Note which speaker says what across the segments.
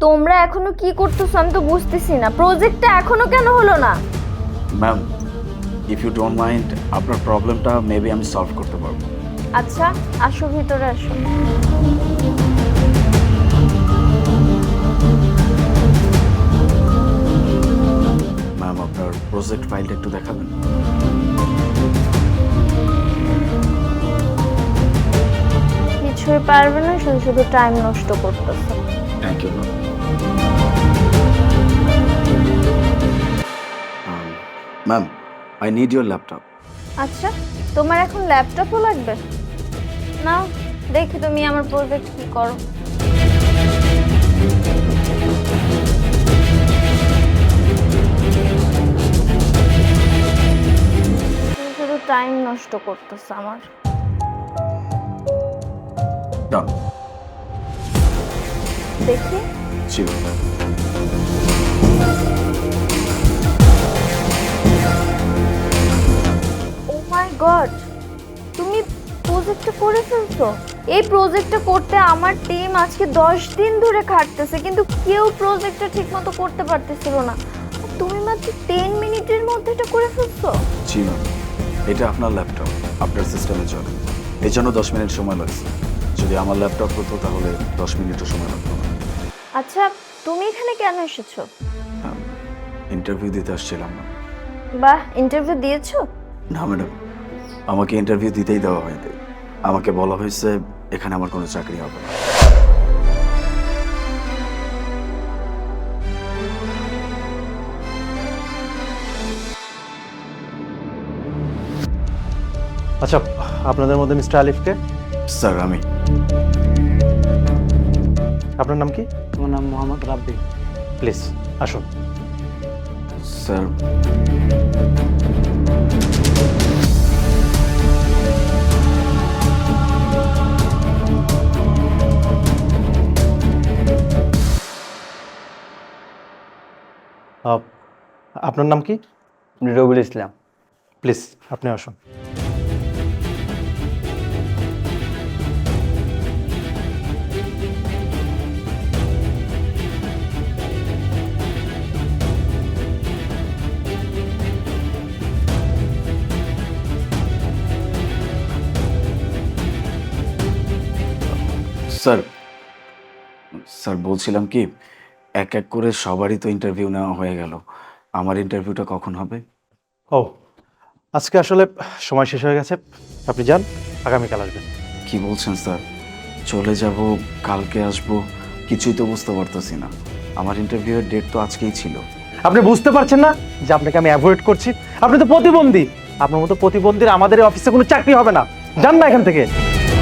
Speaker 1: তোমরা এখনো কি করতেছো আমি তো বুঝতেছি না, প্রজেক্টটা এখনো কেন হলো না?
Speaker 2: Ma'am, if you don't mind আপনার প্রবলেমটা মেবি আমি সলভ করতে পারবো।
Speaker 1: আচ্ছা আসো, ভিতরে আসো।
Speaker 2: ম্যাম, আপনার প্রজেক্ট ফাইলটা একটু দেখাবেন?
Speaker 1: কিছুই পারবে না, শুধু শুধু টাইম নষ্ট করতেছো।
Speaker 2: Thank you ma'am. Ma'am, I need your laptop.
Speaker 1: আচ্ছা, তোমার এখন ল্যাপটপও লাগবে? নাও দেখি তুমি আমার প্রজেক্ট কি করো। শুধু শুধু টাইম নষ্ট করতেছে আমার।
Speaker 2: ডান।
Speaker 1: দেখি।
Speaker 2: জি ম্যাম।
Speaker 1: ও মাই গড, তুমি প্রজেক্টটা করে ফেলছো! এই প্রজেক্টটা করতে আমার টিম আজকে 10 দিন ধরে খাটতেছে, কিন্তু কেউ প্রজেক্টটা ঠিকমতো করতে পারতেছিল না। আর তুমি মাত্র 10 মিনিটের মধ্যে এটা করে ফেলছো!
Speaker 2: জি ম্যাম, এটা আপনার ল্যাপটপ, আপনার সিস্টেমে চলে, এই জন্য 10 মিনিট সময় লাগছে। যদি আমার ল্যাপটপ হতো তাহলে 10 মিনিটও সময় লাগতো না।
Speaker 1: আচ্ছা, তুমি এখানে কেন এসেছো?
Speaker 2: ইন্টারভিউ দিতে আসছিলাম না।
Speaker 1: বাহ, ইন্টারভিউ দিয়েছো?
Speaker 2: না ম্যাডাম, আমাকে ইন্টারভিউ দিতেই দেওয়া হয়নি। আমাকে বলা হয়েছে এখানে আমার কোনো চাকরি হবে না।
Speaker 3: আচ্ছা, আপনাদের মধ্যে মিস্টার আলিফকে?
Speaker 2: স্যার, আমি।
Speaker 3: আপনার নাম কি?
Speaker 4: আমার নাম মোহাম্মদ রাব্বি।
Speaker 3: প্লিজ আসুন।
Speaker 2: স্যার,
Speaker 3: আপনার নাম কি?
Speaker 4: রবিউল ইসলাম।
Speaker 3: প্লিজ আপনি আসুন।
Speaker 2: স্যার স্যার বলছিলাম কি, এক এক করে সবারই তো ইন্টারভিউ নেওয়া হয়ে গেল, আমার ইন্টারভিউটা কখন হবে?
Speaker 3: ও, আজকে আসলে সময় শেষ হয়ে গেছে, আপনি যান, আগামীকাল আসবেন।
Speaker 2: কি বলছেন স্যার? চলে যাব, কালকে আসবো, কিছুই তো বুঝতে পারতেছি না। আমার ইন্টারভিউয়ের ডেট তো আজকেই ছিল।
Speaker 3: আপনি বুঝতে পারছেন না যে আপনাকে আমি অ্যাভয়েড করছি? আপনি তো প্রতিবন্ধী, আপনার মতো প্রতিবন্ধীর আমাদের এই অফিসে কোনো চাকরি হবে না। যান না এখান থেকে।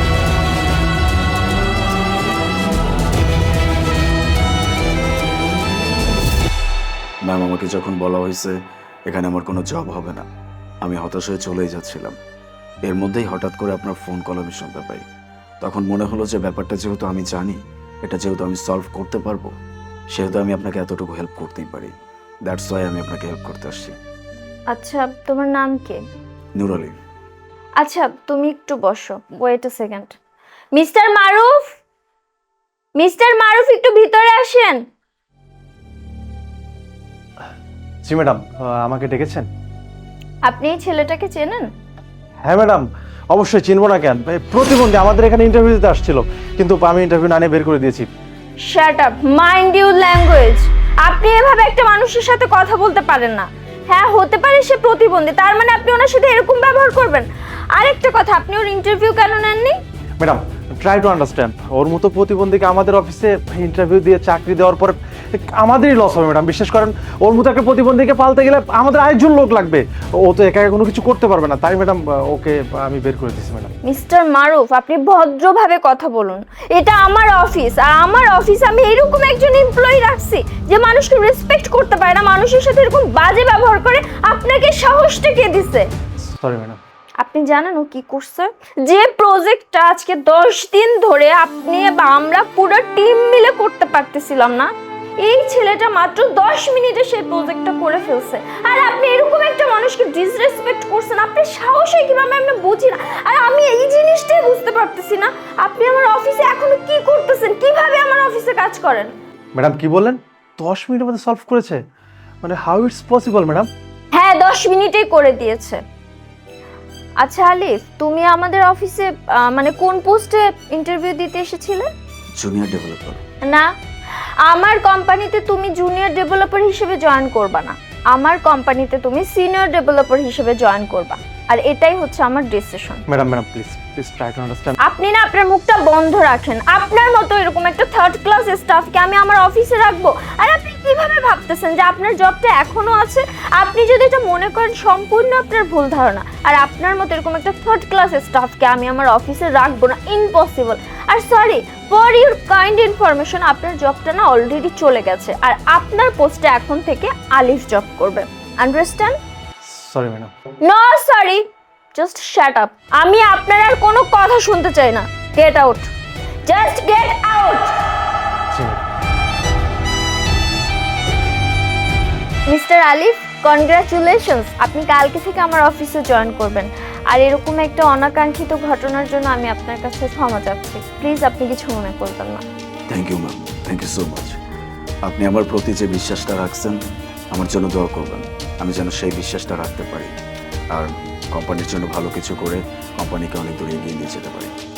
Speaker 2: ম্যাম, আমাকে যখন বলা হয়েছে এখানে আমার কোনো জব হবে না, আমি হতাশ হয়ে চলেই যাচ্ছিলাম। এর মধ্যেই হঠাৎ করে আপনার ফোন কল আমি শুনতে পাই। তখন মনে হলো যে ব্যাপারটা যেহেতু আমি জানি, এটা যেহেতু আমি সলভ করতে পারবো, সেহেতু আমি আপনাকে এতটুকু হেল্প করতেই পারি। দ্যাটস ওয়াই আমি আপনাকে হেল্প করতে আসছি।
Speaker 1: আচ্ছা, তোমার নাম কি?
Speaker 2: নূর আলী।
Speaker 1: আচ্ছা, তুমি একটু বসো, wait a second. Mister Maruf, mister Maruf, একটু ভিতরে আসেন।
Speaker 3: জি ম্যাডাম, আমাকে ডেকেছেন?
Speaker 1: আপনি এই ছেলেটাকে চেনেন?
Speaker 3: হ্যাঁ ম্যাডাম, অবশ্যই চিনবো না কেন? প্রতিবন্ধী, আমাদের এখানে ইন্টারভিউ দিতে আসছিল, কিন্তু আমি ইন্টারভিউ না নিয়ে বের করে দিয়েছি।
Speaker 1: Shut up, mind your language. আপনি এভাবে একটা মানুষের সাথে কথা বলতে পারেন না। হ্যাঁ, হতে পারে সে প্রতিবন্ধী, তার মানে আপনি ওনার সাথে এরকম ব্যবহার করবেন? আরেকটা কথা, আপনি ওর ইন্টারভিউ কেন নেননি?
Speaker 3: ম্যাডাম, ট্রাই টু আন্ডারস্ট্যান্ড, ওর মতো প্রতিবন্ধীকে আমাদের অফিসে ইন্টারভিউ দিয়ে চাকরি দেওয়ার পর আমাদেরই লস হবে ম্যাডাম। বিশ্বাস করেন, ওর মতো একটা প্রতিবন্ধীকে পালতে গেলে আমাদের আরেকজন লোক লাগবে, ও তো একা একা কোনো কিছু করতে পারবে না। তাই ম্যাডাম ওকে আমি বের করে দিয়েছি ম্যাডাম।
Speaker 1: মিস্টার মারুফ, আপনি ভদ্রভাবে কথা বলুন। এটা আমার অফিস, আর আমার অফিসে আমি এরকম একজন এমপ্লয়ি রাখছি যে মানুষকে রেসপেক্ট করতে পারে না, মানুষের সাথে এরকম বাজে ব্যবহার করে। আপনাকে সাহসটা কে দিছে?
Speaker 3: Sorry madam.
Speaker 1: আপনি জানেন ও কি করছে? যে প্রজেক্টটা আজকে 10 দিন ধরে আপনি বা আমরা পুরো টিম মিলে করতে পারতেছিলাম না, এই ছেলেটা মাত্র 10 মিনিটে সেই প্রজেক্টটা করে ফেলছে। আর আপনি এরকম একটা মানুষকে ডিসরেসপেক্ট করছেন, আপনি সাহসে কিভাবে আমরা বুঝি না। আর আমি এই জিনিসটাই বুঝতে পারতেছি না, আপনি আমার অফিসে এখনো কি করতেছেন, কিভাবে আমার অফিসে কাজ করেন?
Speaker 3: ম্যাডাম কি বললেন 10 মিনিটের মধ্যে সলভ করেছে মানে হাউ ইটস পসিবল ম্যাডাম?
Speaker 1: হ্যাঁ 10 মিনিটেই করে দিয়েছে। আচ্ছা আলিফ, তুমি আমাদের অফিসে মানে কোন পোস্টে ইন্টারভিউ দিতে এসেছিলে?
Speaker 2: Junior developer.
Speaker 1: না, আমার কোম্পানিতে তুমি জুনিয়র ডেভেলপার হিসেবে জয়েন করবা না, আমার কোম্পানিতে তুমি সিনিয়র ডেভেলপার হিসেবে জয়েন করবা, আর এটাই হচ্ছে আমার decision.
Speaker 3: Madam please try to understand.
Speaker 1: আপনি না আপনার মুখটা বন্ধ রাখেন। আপনার মতো এরকম একটা থার্ড ক্লাস স্টাফকে আমি আমার অফিসে রাখবো? আর আপনি কিভাবে ভাবতেছেন যে আপনার জবটা এখনো আছে? আপনি যদি এটা মনে করেন সম্পূর্ণ আপনার ভুল ধারণা। আর আপনার মতো এরকম একটা থার্ড ক্লাস স্টাফকে আমি আমার অফিসে রাখবো না, ইম্পসিবল। আর sorry for your kind information, আপনার জবটা না অলরেডি চলে গেছে, আর আপনার পোস্টে এখন থেকে আলিফ জব করবে। Understand?
Speaker 3: Sorry madam.
Speaker 1: No sorry, just shut up. আমি আপনার আর কোনো কথা শুনতে চাই না। Get out, just get out. Mister Alif, congratulations, আপনি কালকে থেকে আমার অফিসে জয়েন করবেন। আর এরকম একটা অনাকাঙ্ক্ষিত ঘটনার জন্য আমি আপনার কাছে ক্ষমা চাচ্ছি। প্লিজ আপনি কিছু মনে করবেন না।
Speaker 2: Thank you ma'am, thank you so much. আপনি আমার প্রতি যে বিশ্বাসটা রাখছেন, আমার জন্য দোয়া করবেন আমি যেন সেই বিশ্বাসটা রাখতে পারি আর কোম্পানির জন্য ভালো কিছু করে কোম্পানিকে অনেক দূরে এগিয়ে নিয়ে যেতে পারি।